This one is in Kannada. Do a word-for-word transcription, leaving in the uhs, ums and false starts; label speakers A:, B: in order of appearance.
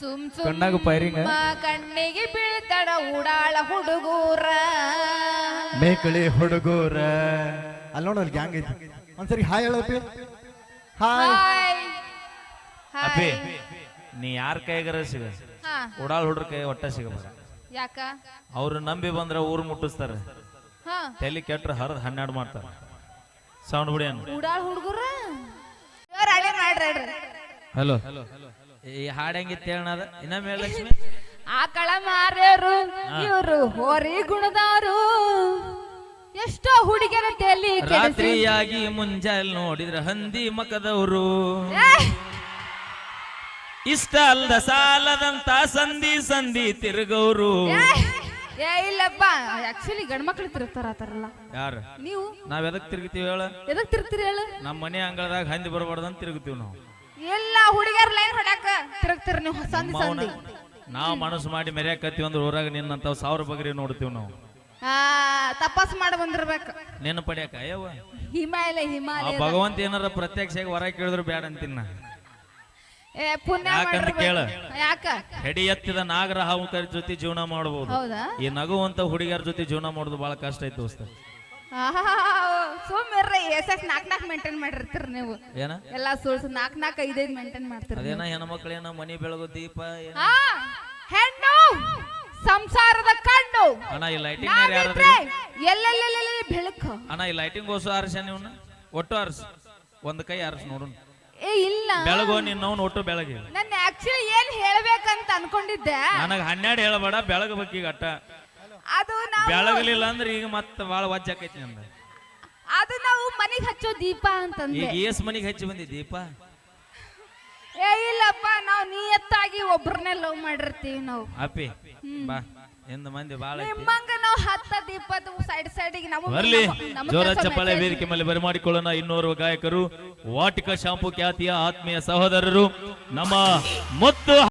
A: ಸುಮ್
B: ಕಣ್ಣಾಗ ಫೈರಿಂಗ್
A: ಸುಮ್ಮ ಕಣ್ಣಿಗೆ ಬೀಳ್ತಾಡ ಉಡಾಳ ಹುಡುಗೂರ
C: ಮೇಕಳಿ ಹುಡುಗೂರ ಅಲ್ಲಿ ನೋಡೋಲ್ ಗ್ಯಾಂಗ್ ಐತಿ ಒಂದ್ಸರಿ ಹಾಯ್ ಹೇಳಪ್ಪಿ ಹಾಯ್
A: ಹಾಯ್
B: ಅಪ್ಪಿ
A: ಹಾಯ್
B: ನೀ ಯಾರ ಕೈಗಾರ ಸಿಗ
A: ಹಾ
B: ಉಡಾಳ್ ಹುಡ್ರ ಕೈ ಒಟ್ಟ ಸಿಗಬಾರ
A: ಯಾಕ
B: ಅವ್ರು ನಂಬಿ ಬಂದ್ರ ಊರ್ ಮುಟ್ಟಿಸ್ತಾರ
A: ಹಾ
B: ತಲೆ ಕೆಟ್ರ ಹರಿದ್ ಹನ್ನೆರಡು ಮಾಡ್ತಾರ ಸೌಂಡ್ ಬಿಡಿ ಅನ್ನ
A: ಉಡಾಳ ಹುಡುಗೂರ ರೆಡಿ ಮಾಡ್ರಿ
B: ಹಲೋ ಈ ಹಾಡ್ ಹೆಂಗಿತ್ತು ಹೇಳದ ಇನ್ನೊಮ್ಮೆ ಲಕ್ಷ್ಮಿ
A: ಆಕಳ ಮಾರ್ಯರು ಇವರು ಹೋರಿ ಗುಣದವರು ಎಷ್ಟೋ ಹುಡುಗಿಯರ ತಲೆ ಕೆಡಿಸಿ
B: ರಾತ್ರಿಯಾಗಿ ಮುಂಜಾನೆ ನೋಡಿದ್ರ ಹಂದಿ ಮಕದವರು ಇಷ್ಟ ಅಲ್ದ ಸಾಲದಂತ ಸಂಧಿ ಸಂಧಿ ತಿರುಗವ್ರು
A: ಏ ಇಲ್ಲಪ್ಪ ಆಕ್ಚುಲಿ ಗಂಡ್ ಮಕ್ಳು ತಿರುಗ್ತಾರ ಆತರಲ್ಲ
B: ಯಾರ
A: ನೀವು
B: ನಾವ್ ಎದಕ್ ತಿರುಗ್ತೀವಿ ಹೇಳ
A: ಎದಕ್ ತಿರುಗ್ತೀರಿ ಹೇಳು
B: ನಮ್ಮ ಮನೆ ಅಂಗಳದಾಗ ಹಂದಿ ಬರಬಾರ್ದಂತ ತಿರುಗ್ತೀವಿ ನಾವು
A: ಎಲ್ಲ ಹುಡುಗಿಯರ್ ಲೈನ್ ಹೊಡ್ಯಾಕ ತಿರುಗ್ತೀರಿ ನೀವು ಸಂಧಿ ಸಂಧಿ
B: ನಾವ್ ಮನಸ್ಸು ಮಾಡಿ ಮೆರ್ಯಾಕತ್ತೀವಿ ಅಂದ್ರೆ ಊರಾಗ ನಿನ್ನಂತಾವ್ ಸಾವಿರ ಬಗ್ರಿ ನೋಡ್ತೀವಿ ನಾವು
A: ಆ ತಪಾಸ್ ಮಾಡಿ ಬಂದಿರ್ಬೇಕು
B: ನೆನ ಪಡ್ಯಾಕ ಅಯ್ಯವ್ವ
A: ಹಿಮಾಲಯ
B: ಆ
A: ಹಿಮಾಲಯ
B: ಭಗವಂತ ಏನಾರ ಪ್ರತ್ಯಕ್ಷ ಹೊರ ಕೇಳಿದ್ರು ಬ್ಯಾಡ ಅಂತೀನ
A: ಏ ಪುಣ್ಯ
B: ಯಾಕಂತ
A: ಮಾಡಿರ್ಬೇಕು.
B: ಕೇಳ
A: ಯಾಕ
B: ಹೆಡಿ ಎತ್ತಿದ ನಾಗರ ಹಾವುಕರ ಜೊತೆ ಜೀವನ ಮಾಡಬಹುದು
A: ಹೌದಾ
B: ಈ ನಗುವಂತ ಹುಡುಗಿಯರ ಜೊತೆ ಜೀವನ ಮಾಡೋದು ಬಹಳ ಕಷ್ಟ ಐತಿ ದೋಸ್ತ
A: ಸುಮ್ಮಿರ್ರಿ ಎಸ್ ಎಸ್ ನಾಕ್ ನಾಕ್ ಮೇಂಟೈನ್ ಮಾಡಿರ್ತೀರಿ ನೀವು
B: ಏನ
A: ಎಲ್ಲಾ ಸುಳ್ಸು ನಾಕ್ ನಾಕ್ ಐದೈದ್ ಮೇಂಟೈನ್ ಮಾಡ್ತೀರಿ
B: ಅದೇನ ಹೆಣ್ಮಕ್ಳೇನ ಮನಿ ಬೆಳಗು ದೀಪ ಏನ
A: ಹಾ ಹೆಣ್ಣು ಸಂಸಾರದ ಕಣ್ಣು
B: ಅಣ್ಣ ಈ ಲೈಟಿಂಗ್ ಯಾರು
A: ನಾವಿದ್ರೆ ಎಲ್ಲೆಲ್ಲೆಲ್ಲೆಲ್ಲಿ ಬೆಳಕು
B: ಅಣ್ಣ ಈ ಲೈಟಿಂಗ್ ಓಸು ಆರ್ಸ ನೀವ್ನ ಒಟ್ಟು ಆರ್ಸ ಒಂದ್ ಕೈ ಆರ್ಸ ನೋಡು
A: ಏ ಇಲ್ಲ
B: ಬೆಳಗು ನಿನ್ನವನ್ ಒಟ್ಟು ಬೆಳಗ್ಗೆ
A: ನನ್ನ ಆಕ್ಚುಲಿ ಏನ್ ಹೇಳ್ಬೇಕಂತ ಅನ್ಕೊಂಡಿದ್ದೆ
B: ನನಗ ಹನ್ನೆರಡು ಹೇಳಬೇಡ ಬೆಳಗಬೇಕು ಈಗ ಅಟ್ಟ
A: ಅದು ನಾವು
B: ಬೆಳಗಲಿಲ್ಲ ಅಂದ್ರೆ ಈಗ ಮತ್ತ ಬಾಳ ವಜ್ಜ ಆಕೈತಿ ನಂದ
A: ಅದು ನಾವು ಮನೆಗ್ ಹಚ್ಚೋ ದೀಪ ಅಂತಂದೆ
B: ಈಗ ಏಸ್ ಮನಿಗೆ ಹಚ್ಚಿ ಬಂದಿ ದೀಪ
A: ಏ ಇಲ್ಲಪ್ಪ ನಾವು ನಿಯತ್ತಾಗಿ ಒಬ್ರನ್ನೇ ಲವ್ ಮಾಡಿರ್ತೀವಿ ನಾವು
B: ಅಪ್ಪಿ ಬಾ ಎಂದ ಮಂದಿ ಬಾಳ ಐತಿ
A: ನಿಮ್ಮಂಗ ನಾವು ಹತ್ತ ದೀಪದ ಸೈಡ್ ಸೈಡಿಗೆ ನಮ್ಮ
B: ಬರ್ಲಿ
A: ನಮ್ಮ
B: ಜೋರ
A: ಕೆಲ್ಸ
B: ಚಪ್ಪಾಳೆ
A: message-
B: ವೇದಿಕೆ ಮೇಲೆ ಬರಮಾಡಿಕೊಳ್ಳೋಣ ಇನ್ನೋರ್ವ ಗಾಯಕರು ವಾಟಿಕ ಶಾಂಪು ಖ್ಯಾತಿಯ ಆತ್ಮೀಯ ಸಹೋದರರು ನಮ್ಮ ಮುತ್ತು